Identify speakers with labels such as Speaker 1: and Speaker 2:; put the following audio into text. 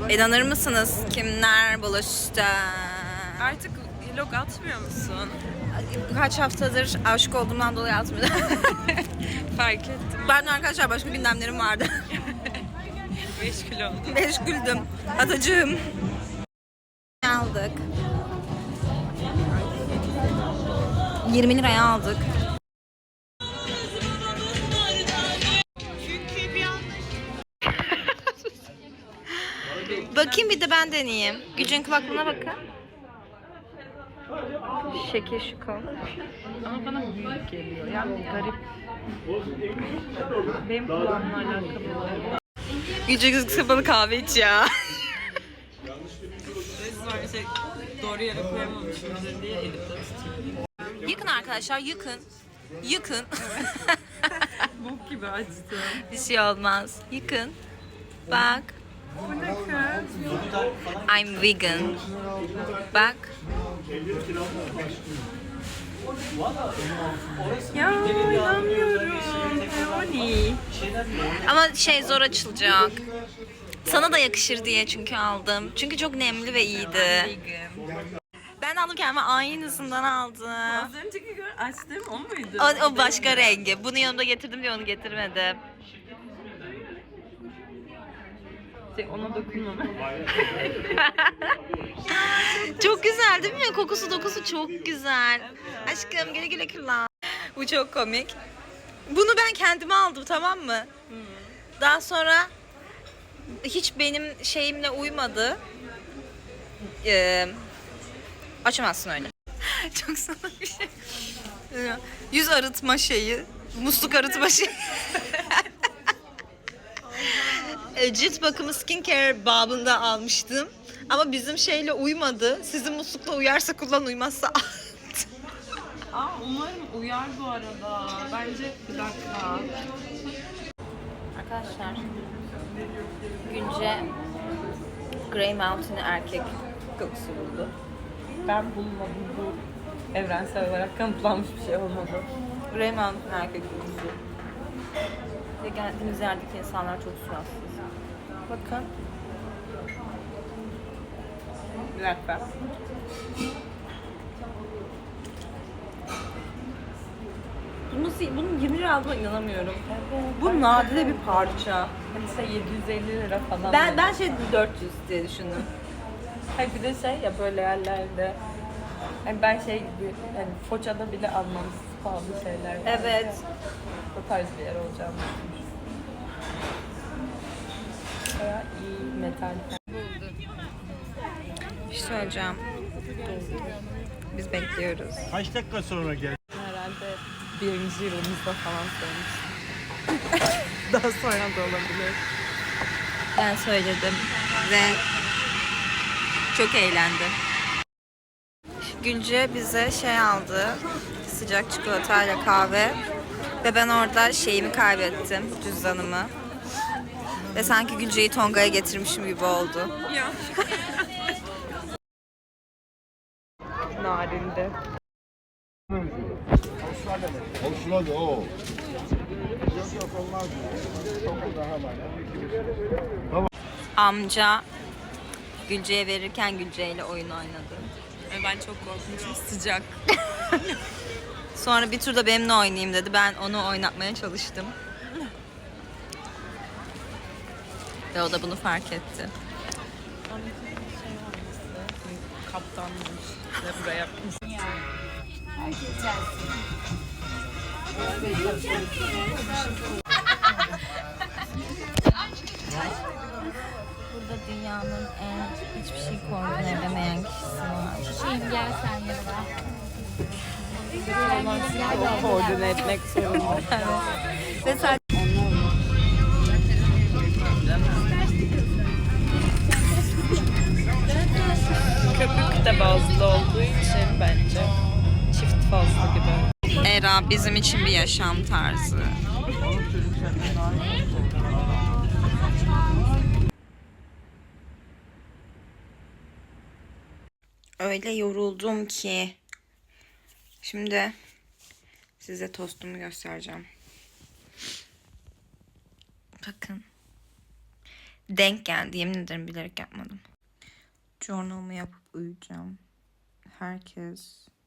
Speaker 1: İnanır mısınız kimler buluştu?
Speaker 2: Artık vlog atmıyor musun?
Speaker 1: Kaç haftadır aşık olduğumdan dolayı atmıyorum.
Speaker 2: Fark ettim.
Speaker 1: Ben arkadaşlar başka gündemlerim vardı.
Speaker 2: Meşgul oldum.
Speaker 1: Meşguldüm. Atacığım. Aldık. 20 liraya aldık. Bakayım bir de ben deneyeyim. Gücün kulaklığına bakın. Şekil şuko.
Speaker 2: Ama bana büyük geliyor. Yani garip. Benim kulağımla alakalı oluyor.
Speaker 1: Gücü kapalı kahve iç ya.
Speaker 2: Resmen doğru yere koyamamışım diye elimde tutuyorum.
Speaker 1: Yıkın arkadaşlar, yıkın. Yıkın.
Speaker 2: Bok gibi acıdı.
Speaker 1: Bir şey olmaz. Yıkın. Bak.
Speaker 2: Bu ne kız?
Speaker 1: I'm vegan. Bak.
Speaker 2: Ya inanmıyorum. Peony.
Speaker 1: Ama zor açılacak. Sana da yakışır diye çünkü aldım. Çünkü çok nemli ve iyiydi. Ben aldım, kendime aynısından aldım.
Speaker 2: Az önceki açtığım o muydu?
Speaker 1: O başka rengi. Bunu yanımda getirdim diye onu getirmedim.
Speaker 2: Ona dokunmam.
Speaker 1: Çok güzel değil mi? Kokusu dokusu çok güzel. Aşkım güle güle kullan. Bu çok komik. Bunu ben kendime aldım, tamam mı? Daha sonra hiç benim şeyimle uymadı. Açamazsın öyle. Çok salak bir şey. Yüz arıtma şeyi. Musluk arıtma şeyi. Cilt bakımı skincare babında almıştım. Ama bizim şeyle uymadı. Sizin muslukla uyarsa kullan, uymazsa at.
Speaker 2: Umarım uyar bu arada. Bence bir dakika.
Speaker 1: Arkadaşlar, Gülce Grey Mountain erkek kokusu buldu.
Speaker 2: Ben bulmadım, bu evrensel olarak kanıtlanmış bir şey olmadı.
Speaker 1: Grey Mountain erkek kokusu. Ve geldiğimiz yerdeki insanlar çok suratsız. Bakın.
Speaker 2: Bir dakika.
Speaker 1: Bunun 20 lira aldığına inanamıyorum. Bu nadide bir parça.
Speaker 2: Hani 750 lira falan.
Speaker 1: Ben 400 diye düşündüm.
Speaker 2: Hayır, bir de ya böyle yerlerde. Hani ben gibi hani Foça'da bile almamız pahalı şeyler var.
Speaker 1: Evet.
Speaker 2: O tarz bir yer olacağını düşünmüştüm. Bayağı iyi metal.
Speaker 1: Bir şey söyleyeceğim. Biz bekliyoruz.
Speaker 3: Kaç dakika sonra gel?
Speaker 2: Herhalde birinci yılımızda falan söylemiştim. Daha sonra da olabilir.
Speaker 1: Ben söyledim ve çok eğlendi. Gülce bize aldı. Sıcak çikolatayla kahve. Ve ben orada şeyimi kaybettim, cüzdanımı. Ve sanki Gülce'yi Tonga'ya getirmişim gibi oldu.
Speaker 2: Ya. Narinde.
Speaker 3: Avustralya o.
Speaker 1: Amca Gülce'ye verirken Gülce'yle oyun oynadı.
Speaker 2: Ben çok korkmuşum, sıcak.
Speaker 1: Sonra bir turda benimle oynayayım dedi. Ben onu oynatmaya çalıştım. Ve o da bunu fark etti.
Speaker 2: Kaptanmış ve buraya yapmış.
Speaker 1: Burada dünyanın hiçbir şey koordine edemeyen kişisi var.
Speaker 4: Şeyim gel sen yanıma.
Speaker 2: Koordine etmek zorunda.
Speaker 1: Ve sadece
Speaker 2: Köpük de bazlı olduğu için bence çift fazla gibi.
Speaker 1: Era bizim için bir yaşam tarzı. Öyle yoruldum ki. Şimdi size tostumu göstereceğim. Bakın. Denk geldi. Yemin ederim bilerek yapmadım. Journal'ımı yapıp uyuyacağım. Herkes